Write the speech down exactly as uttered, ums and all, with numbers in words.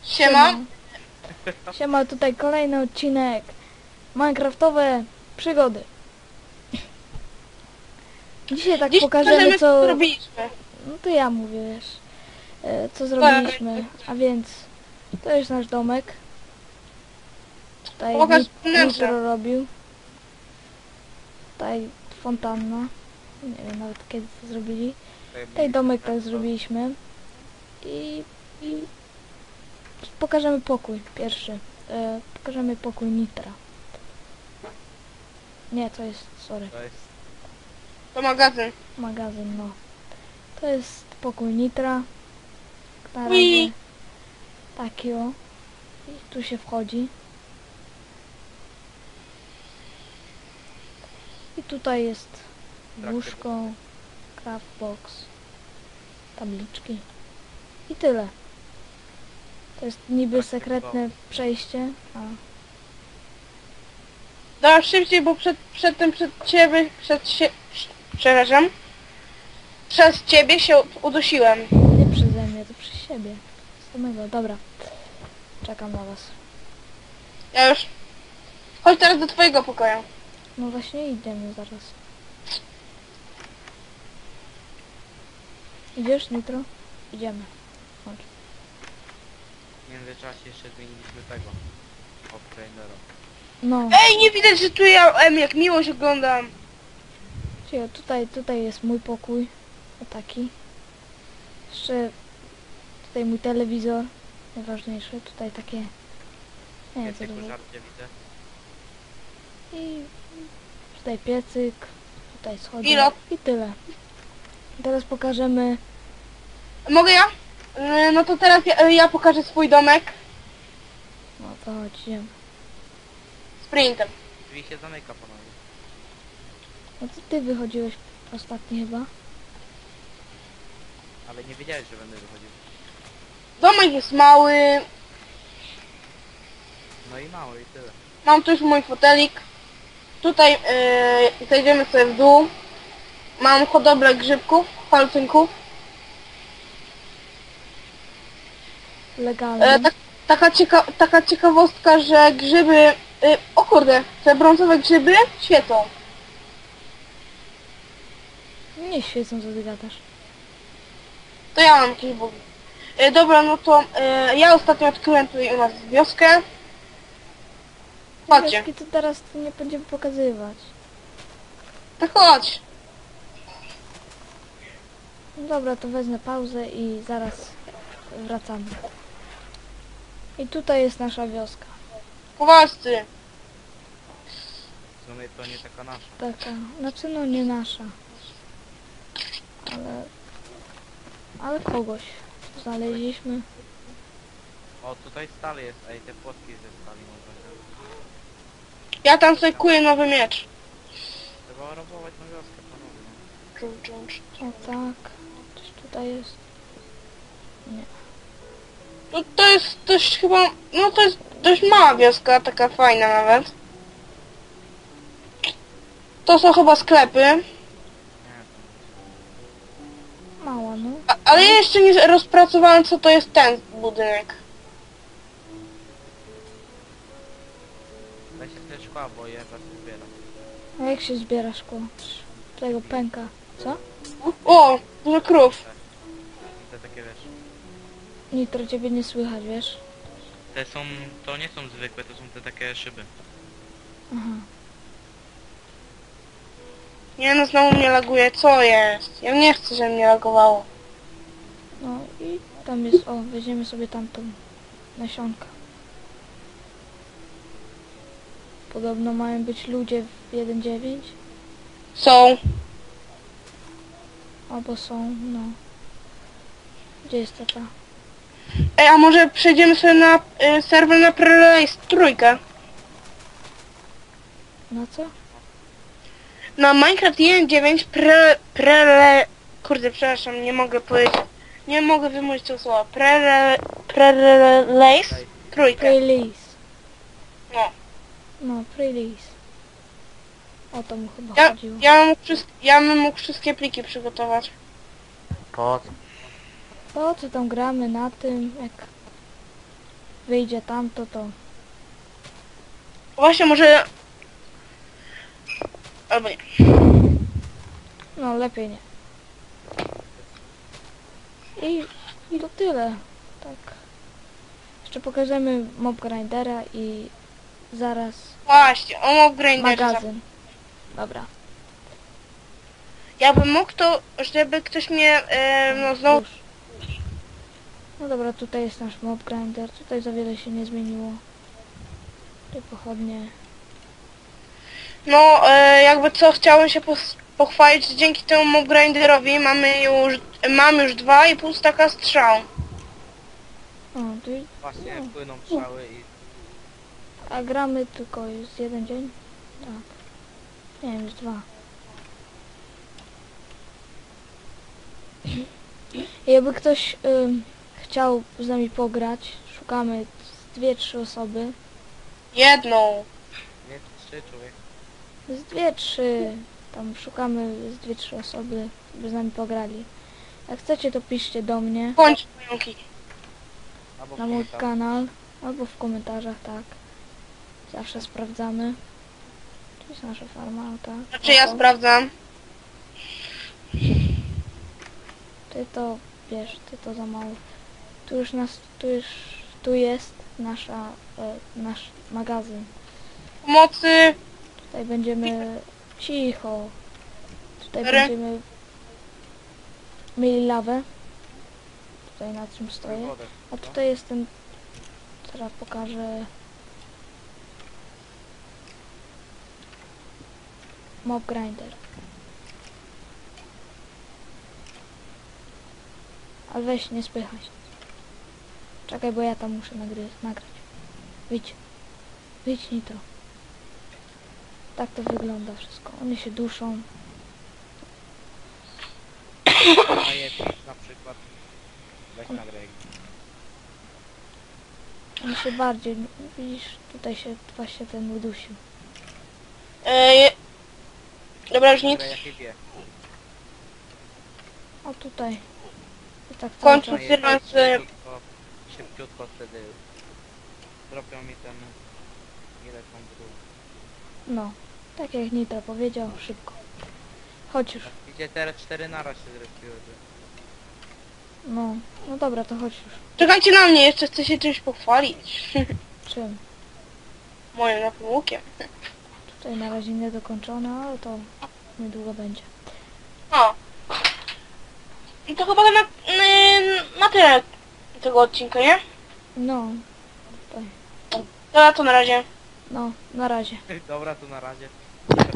Siema. Siema, tutaj kolejny odcinek Minecraftowe przygody. Dzisiaj tak Dziś pokażemy pokażemy, co... co robiliśmy. No to ja mówię, wiesz, e, co zrobiliśmy. A więc to jest nasz domek. Tutaj Pokaż Nit- wnętrze. Nitro robił. Tutaj fontanna. Nie wiem nawet kiedy to zrobili. Tutaj domek tak zrobiliśmy. I, i pokażemy pokój pierwszy. E, pokażemy pokój Nitra. Nie, to jest, sorry, To jest... To magazyn. magazyn, no. To jest pokój Nitra. Na Ui. razie taki o. I tu się wchodzi. I tutaj jest łóżko, craftbox, tabliczki. I tyle. To jest niby sekretne przejście, a Dasz szybciej, bo przed, przedtem przed ciebie, przed się... Przepraszam. Przez ciebie się udusiłem. nie przeze mnie, to przez siebie. Samego, dobra. Czekam na was. Ja już... Chodź teraz do twojego pokoju. No właśnie idziemy zaraz. Idziesz, Nitro? Idziemy. Chodź. W międzyczasie jeszcze zmieniliśmy tego. Offtrainera. No, Ej, nie widać, że tu ja em, jak miłość oglądam. czyli tutaj, tutaj jest mój pokój. O taki. Jeszcze tutaj mój telewizor. Najważniejsze. Tutaj takie... Nie wiem co Więcej to było. pożarcie widzę. I tutaj piecyk. Tutaj schody. Pilot. I tyle. Teraz pokażemy... Mogę ja? Yy, No to teraz ja, ja pokażę swój domek. No to chodź, idziemy. Sprintem. Drzwi się zamyka ponownie. No to ty wychodziłeś ostatni chyba. Ale nie wiedziałeś, że będę wychodził. Domek jest mały. No i mało i tyle. Mam tu już mój fotelik. Tutaj yy, zejdziemy sobie w dół. Mam hodowlę grzybków, palcynków. Legalny. E, tak, taka, cieka taka ciekawostka, że grzyby... Y, o kurde, te brązowe grzyby świecą. Nie świecą, co ty gadasz. To ja mam jakieś bugi. Y, dobra, no to y, ja ostatnio odkryłem tutaj u nas wioskę. Chodźcie. Wioski to teraz tu nie będziemy pokazywać. To chodź. No dobra, to wezmę pauzę i zaraz wracamy. I tutaj jest nasza wioska. Kowalscy. W sumie to nie taka nasza. Taka, znaczy no nie nasza. Ale... Ale kogoś znaleźliśmy. O, tutaj stal jest. Ej, te płotki ze stali można wziąć. Ja tam sobie kuję nowy miecz. Trzeba robować na wioskę ponownie. Dżum, dżum, dżum. O tak. Coś tutaj jest. Nie. No to jest dość chyba... No to jest dość mała wioska, taka fajna nawet. To są chyba sklepy. Nie, to Mała, no. A, ale ja jeszcze nie rozpracowałem, co to jest ten budynek. weź się te szkła, bo je was zbieram. A jak się zbiera szkło? Tego pęka. Co? O, dużo krów. I te takie wiesz. Nitro, ciebie nie słychać, wiesz? Te są... to nie są zwykłe, to są te takie szyby. Aha. Nie no, znowu mnie laguje. Co jest? Ja nie chcę, żeby mnie lagowało. No i tam jest, o, weźmiemy sobie tamtą nasionka. Podobno mają być ludzie w jeden dziewięć. Są. Albo są, no. Gdzie jest ta ta? Ej, a może przejdziemy sobie na y, serwer na Prelace trójkę? Na co? Na Minecraft jeden dziewięć pre... Prele... Kurde, przepraszam, nie mogę powiedzieć. Nie mogę wymówić tego słowa. Prele... Prelace trójkę. Release. No. No, release. O to mu chyba Ja, chodziło. ja, bym mógł wszystkie, ja bym mógł wszystkie pliki przygotować. Po co? Po co tam gramy na tym, jak wyjdzie tamto, to... Właśnie może... Albo nie. No, lepiej nie. I, i to tyle. Tak. Jeszcze pokażemy mob grindera i zaraz Właśnie, o mob grinderze. magazyn. Dobra. Ja bym mógł to, żeby ktoś mnie, e, no znowu... Już. No dobra, tutaj jest nasz mob grinder. Tutaj za wiele się nie zmieniło. Tutaj pochodnie. No, e, jakby co, chciałem się pos- pochwalić, że dzięki temu mob grinderowi mamy już, mam już dwa i pół staka strzał. O, tu, Właśnie No. płyną strzały i... a gramy tylko jest jeden dzień? Tak. Nie wiem, jest dwa. Jakby ktoś ym, chciał z nami pograć, szukamy z dwie, trzy osoby. Jedną. Nie, trzy człowiek. Z dwie, trzy. Tam szukamy z dwie, trzy osoby, by z nami pograli. Jak chcecie, to piszcie do mnie Bądź pająki. Albo na mój komentarz. kanał albo w komentarzach, tak. Zawsze sprawdzamy. Tu jest nasza farma, tak. Znaczy ja sprawdzam. Ty to, wiesz, ty to za mało. Tu już nas, tu już, tu jest nasza, e, nasz magazyn. Pomocy. Tutaj będziemy, cicho. Tutaj Dobra. będziemy mieli lawę. Tutaj na czym stoję. Wodę. A tutaj jest ten, teraz pokażę. Mob grinder. Ale weź, nie spychaj się. Czekaj, bo ja tam muszę nagry nagrać. Wyjdź. Wyjdź, Nitro. Tak to wygląda wszystko. One się duszą. A jest na przykład. Weź nagraj. One się bardziej... Widzisz, tutaj się właśnie ten udusił. E, je... Dobra, już nic. Nagraj jakie wie. O, tutaj. I tak cały Kończę. czas. A Otwieram jest sobie- szybciutko, szybciutko wtedy dropią mi ten... Ile tą drugą. No. Tak jak Nitro powiedział, szybko. Chodź już. Idzie teraz cztery naraz się zrespiły. No. No dobra, to chodź już. Czekajcie na mnie, jeszcze chcę się czymś pochwalić. Czym? Moim nowym łukiem. Tutaj na razie niedokończone, ale to niedługo będzie. O. I to chyba na, na, na tyle tego odcinka, nie? No. Tutaj. Dobra, to na razie. No, na razie. Dobra, to na razie.